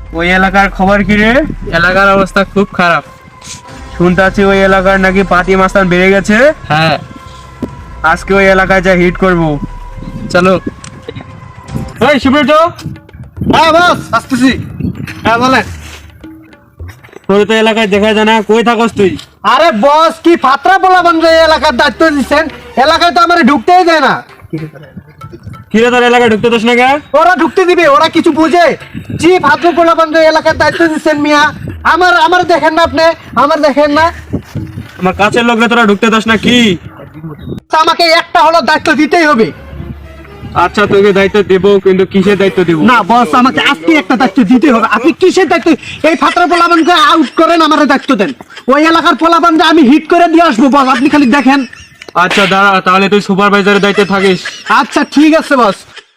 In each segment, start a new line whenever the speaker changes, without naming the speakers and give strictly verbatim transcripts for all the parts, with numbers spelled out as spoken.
ওই এলাকার খবর কি রে?
এলাকার অবস্থা খুব খারাপ।
শুনতাছি ওই এলাকার নাকি পাতি মাস্তান বেড়ে গেছে।
হ্যাঁ,
আজকে ওই এলাকায় যা হিট করব।
চলো।
এই সুব্রত,
হ্যাঁ বস, আসতেছি। হ্যাঁ বলেন।
তোর তো এলাকায় দেখা যায় না, কই থাকস তুই?
আরে বস, কি ফাত্রা বলা বন্ধ এই এলাকার দায়িত্ব দিচ্ছেন? এলাকায় তো আমার ঢুকতেই দেয় না।
কিরে তোর এলাকায় ঢুকতে দোস না কে?
ওরা ঢুকতে দিবে, ওরা কিছু বুঝে? জি ফাত্র বলা বন্ধ এলাকার দায়িত্ব দিচ্ছেন মিয়া। আমার আমার দেখেন না আপনি, আমার দেখেন না।
আমার কাছের লোকরা তোরা ঢুকতে দোস না কি?
তা আমাকে একটা হলো দায়িত্ব দিতেই হবে।
আচ্ছা তোকে দায়িত্ব দেব, কিন্তু কিসের দায়িত্ব দেব?
না বস, আমাকে আজকে একটা দায়িত্ব দিতে হবে। আপনি কিসের দায়িত্ব? এই ফাত্রা পোলাপানকে আউট করেন, আমার দায়িত্ব দেন। ওই এলাকার পোলাপানকে আমি হিট করে দিয়ে আসবো বস, আপনি খালি দেখেন।
আচ্ছা দাঁড়া, তাহলে তুই সুপারভাইজারের দায়িত্বে থাকিস।
আচ্ছা ঠিক আছে বস।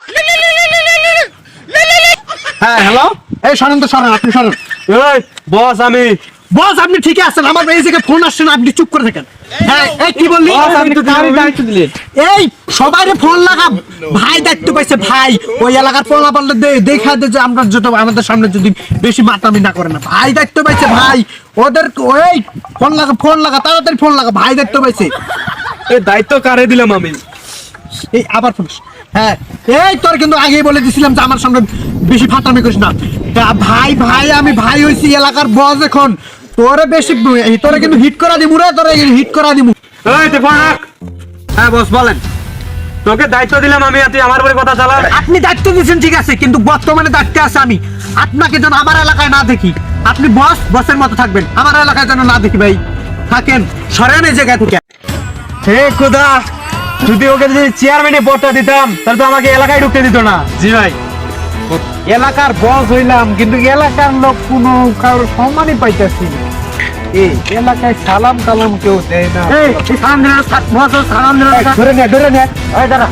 হ্যাঁ হ্যালো, এই শোনেন তো, শোনেন, আপনি শোনেন।
এই বস, আমি
বস আপনি ঠিকই আছেন, আমার এই জায়গায় ফোন আসছে না, আপনি চুপ করে থাকেন। হ্যাঁ, এই কি বললি?
বস, আপনি তো কারই দায়িত্ব দিলেন।
এই সবাইরে ফোন লাগা, ভাই দায়িত্ব পাইছে ভাই। ওই এলাকার পোলা পাল্লা দেখা দে যে আমরা যত আমাদের সামনে যদি বেশি মাতামি না করে না, ভাই দায়িত্ব পাইছে ভাই। ওদের ওই ফোন লাগা, ফোন লাগা, তাড়াতাড়ি ফোন লাগা, ভাই দায়িত্ব পাইছে।
এই দায়িত্ব কারে দিলাম আমি?
এই আবার ফোন। হ্যাঁ, এই তোর কিন্তু আগেই বলে দিছিলাম যে আমার সামনে বেশি ফাটামি করিস না। তা ভাই ভাই আমি ভাই হইছি এলাকার বস এখন। তোরে বেশি তোরে কিন্তু হিট করা দিমু রে, তোরে হিট করা দিমু।
এই তুই ফোন রাখ।
হ্যাঁ বস বলেন।
তোকে দায়িত্ব দিলাম আমি, আর তুই আমার উপরে কথা চালা।
আপনি দায়িত্ব দিচ্ছেন ঠিক আছে, কিন্তু বর্তমানে দায়িত্বে আছে আমি। আপনাকে যেন আমার এলাকায় না দেখি। আপনি বস, বসের মতো থাকবেন, আমার এলাকায় যেন না দেখি ভাই। থাকেন, সরেন এই জায়গা থেকে।
হে খোদা, যদি ওকে যদি চেয়ারম্যানের পদটা দিতাম তাহলে তো আমাকে এলাকায় ঢুকতে দিত না।
জি ভাই।
এলাকার বস হইলাম, কিন্তু এলাকার লোক কোনো কারোর সম্মানই পাইতেছি না। এই এলাকায় সালাম কালাম কেউ দেয় না।
এই সালাম দিল, বস সালাম দিল।
ধরে নে, ধরে নে।
এই দাঁড়া,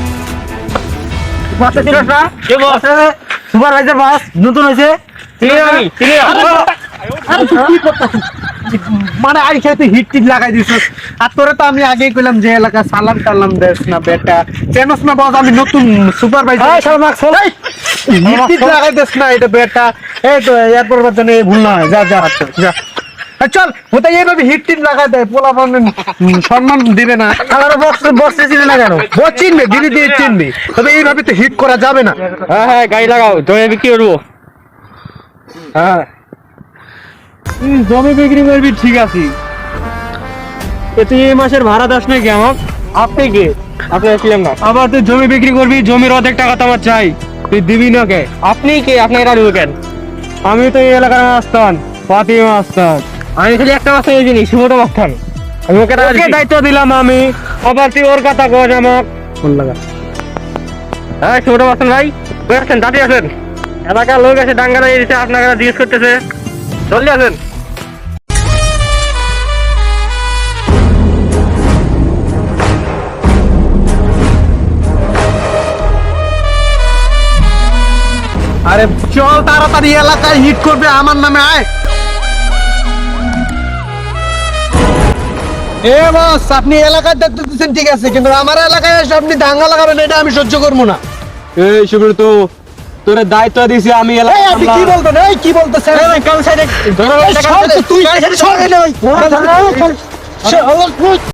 বস ছিল না? কে বস? সুপারভাইজার বস নতুন হয়েছে। ঠিক আছে আমি ঠিক আছে।
আরে তুই কি করতেছিস? মানে আই খেতে হিট টিট লাগাই দিছিস। আর তোরে তো আমি আগেই কইলাম যে এলাকা সালাম কালাম দেস না বেটা। চেনস না বস, আমি নতুন সুপারভাইজার।
এই শালা মাক চল।
হিট টিট লাগাই দেস না এটা বেটা। এই তো এরপর বাদ নেই, ভুল না হয়। যা যা যা। এই চল, ওটা এইভাবে হিট টিট লাগাই দেয়, পোলা সম্মান দিবে না।
আমার বক্স বসতে ছিল না কেন?
বস চিনবে, ধীরে ধীরে চিনবে, তবে এইভাবে তো হিট করা যাবে না।
হ্যাঁ হ্যাঁ, গাড়ি লাগাও, জমি বিক্রি করবো।
হ্যাঁ,
তুই জমি বিক্রি করবি ঠিক আছে, এ তুই এই মাসের ভাড়া দাস নাকি আমার?
আপনি কি? আপনি আসলেন না।
আবার তুই জমি বিক্রি করবি, জমির অর্ধেক টাকা তো আমার চাই, তুই দিবি না কে?
আপনি কি? আপনি এটা ঢুকেন।
আমি তো এই এলাকার মাস্তান, পাতি মাস্তান।
আমি খালি একটা মাস্টার জিনিস, সুমোটো মাস্টার। আমি ওকে টাকা
ওকে
দিচ্ছি।
দায়িত্ব দিলাম আমি, আবার তুই ওর কথা কস আমার।
ফোন লাগা।
হ্যাঁ সুমোটো মাস্টার ভাই, কই আসেন? দাঁড়িয়ে আসেন। এলাকার লোক এসে ডাঙ্গা দিয়ে দিচ্ছে, আপনাকে জিজ্ঞেস করতেছে। জলদি আসেন।
আরে চল তাড়াতাড়ি, এলাকায় হিট করবে আমার নামে, আয়। এ বস, আপনি এলাকার দায়িত্ব দিচ্ছেন ঠিক আছে, কিন্তু আমার এলাকায় এসে আপনি দাঙ্গা লাগাবেন, এটা আমি সহ্য করবো না।
এই সুব্রত, তোরে দায়িত্ব দিছি আমি
এই
এলাকার।
আপনি কি বলতেন? এই কি বলতেছেন?
কাল সাইডে
এই সর তো তুই, সর এলে ওই।